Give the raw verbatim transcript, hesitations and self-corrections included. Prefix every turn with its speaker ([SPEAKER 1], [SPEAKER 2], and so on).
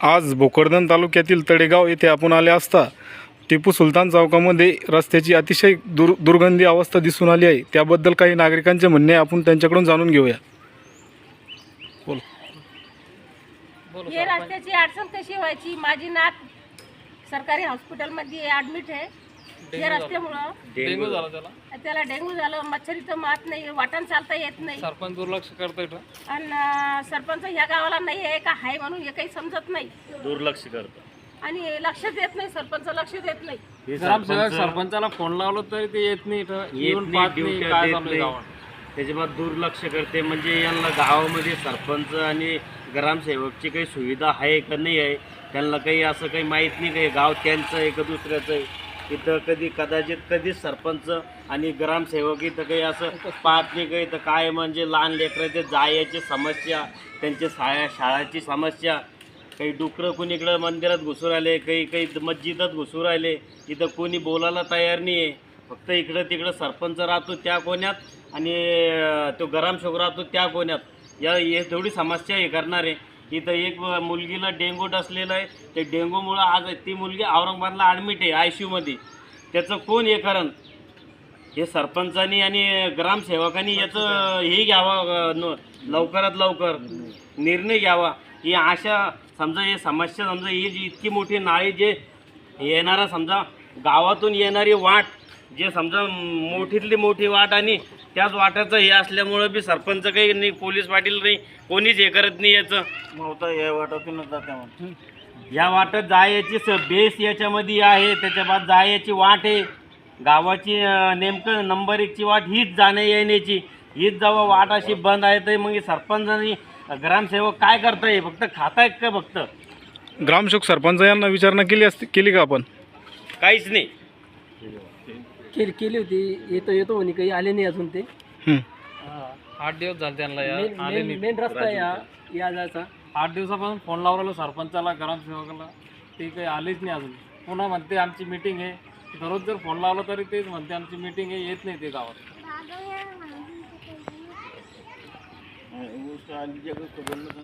[SPEAKER 1] आज भोकरदन तालुक्यातील तळेगाव येथे आपण आले असता टिपू सुलतान चौकामध्ये रस्त्याची अतिशय दुर दुर्गंधी अवस्था दिसून आली आहे। त्याबद्दल काही नागरिकांचे म्हणणे आहे, आपण त्यांच्याकडून जाणून घेऊया। बोल
[SPEAKER 2] हे रस्त्याची अडचण कशी व्हायची? माझी नात सरकारी हॉस्पिटलमध्ये ॲडमिट आहे। या रस्त्यामुळं
[SPEAKER 3] डेंगू झाला त्याला
[SPEAKER 2] त्याला डेंग्यू झालं, मच्छरीचं मात नाही, वाटण चालता येत नाही।
[SPEAKER 3] सरपंच दुर्लक्ष करतोय
[SPEAKER 2] आणि सरपंच ह्या गावाला नाही आहे का आहे म्हणून हे काही समजत नाही,
[SPEAKER 4] दुर्लक्ष करतो
[SPEAKER 2] आणि लक्ष देत नाही, सरपंच लक्ष देत नाही।
[SPEAKER 3] ग्रामसेवक सरपंचाला फोन लावलो तरी ते येत नाही, इथं येऊन पाहत नाही काय चालू आहे गावात।
[SPEAKER 4] त्याच्यामुळे दुर्लक्ष करते। म्हणजे यांना गावामध्ये सरपंच आणि ग्रामसेवकची काही सुविधा आहे का नाही आहे त्यांना काही असं काही माहीत नाही। काही गाव त्यांचं आहे का दुसऱ्याचं आहे? इथं कधी कदाचित कधीच सरपंच आणि ग्रामसेवक इथं काही असं पाहत नाही। काही तर काय म्हणजे लहान लेकराचे जायची समस्या, त्यांच्या शाळा शाळाची समस्या, काही डुकरं कुणीकडं मंदिरात घुसून राहिले, काही काही मस्जिदात घुसून राहिले, इथं कोणी बोलायला तयार नाही आहे। फक्त इकडं तिकडं सरपंच राहतो त्या कोण्यात आणि तो ग्रामसेवक राहतो त्या कोण्यात। या हे थोडी समस्या हे करणार आहे। इथं एक मुलगीला डेंगू डसलेलं आहे, ते डेंगूमुळं आज ती मुलगी औरंगाबादला ॲडमिट आहे आय सी यूमध्ये। त्याचं कोण हे करण? हे सरपंचांनी आणि ग्रामसेवकांनी याचं हे घ्यावं, लवकरात लवकर निर्णय घ्यावा। ही अशा समजा हे समस्या, समजा ही जी इतकी मोठी नाळी जे येणारा समजा गावातून येणारी वाट, जे समजा मोठीतली मोठी वाट आणि त्याच वाटाचं हे असल्यामुळं बी सरपंच काही नाही, पोलीस पाटील नाही, कोणीच हे करत नाही। याचं नव्हतं या वाटातूनच जाते, या वाटत जायची स बेस याच्यामध्ये आहे, त्याच्या बाद जायची वाट आहे गावाची। नेमकं नंबर एकची वाट हीच जाण्या येण्याची, हीच जेव्हा वाट अशी बंद आहे तर मग सरपंच आणि ग्रामसेवक काय करताय? फक्त खातायत का? फक्त
[SPEAKER 1] ग्रामसेवक सरपंच यांना विचारणा केली असती केली का आपण?
[SPEAKER 4] काहीच नाही
[SPEAKER 5] केली केली होती, येतो येतो म्हणे, काही आले नाही अजून ते।
[SPEAKER 1] हं.
[SPEAKER 3] आठ दिवस झाले त्यांना या
[SPEAKER 5] मेन
[SPEAKER 3] आले
[SPEAKER 5] मेन
[SPEAKER 3] नाही।
[SPEAKER 5] मेन रस्ता आहे या या जायचा।
[SPEAKER 3] आठ दिवसापासून फोन लावलेलो सरपंचाला, ग्रामसेवकाला, ते काही आलेच नाही अजून। पुन्हा म्हणते आमची मीटिंग आहे, दररोज जर फोन लावला तरी तेच म्हणते आमची मीटिंग आहे, येत नाही ते गावात।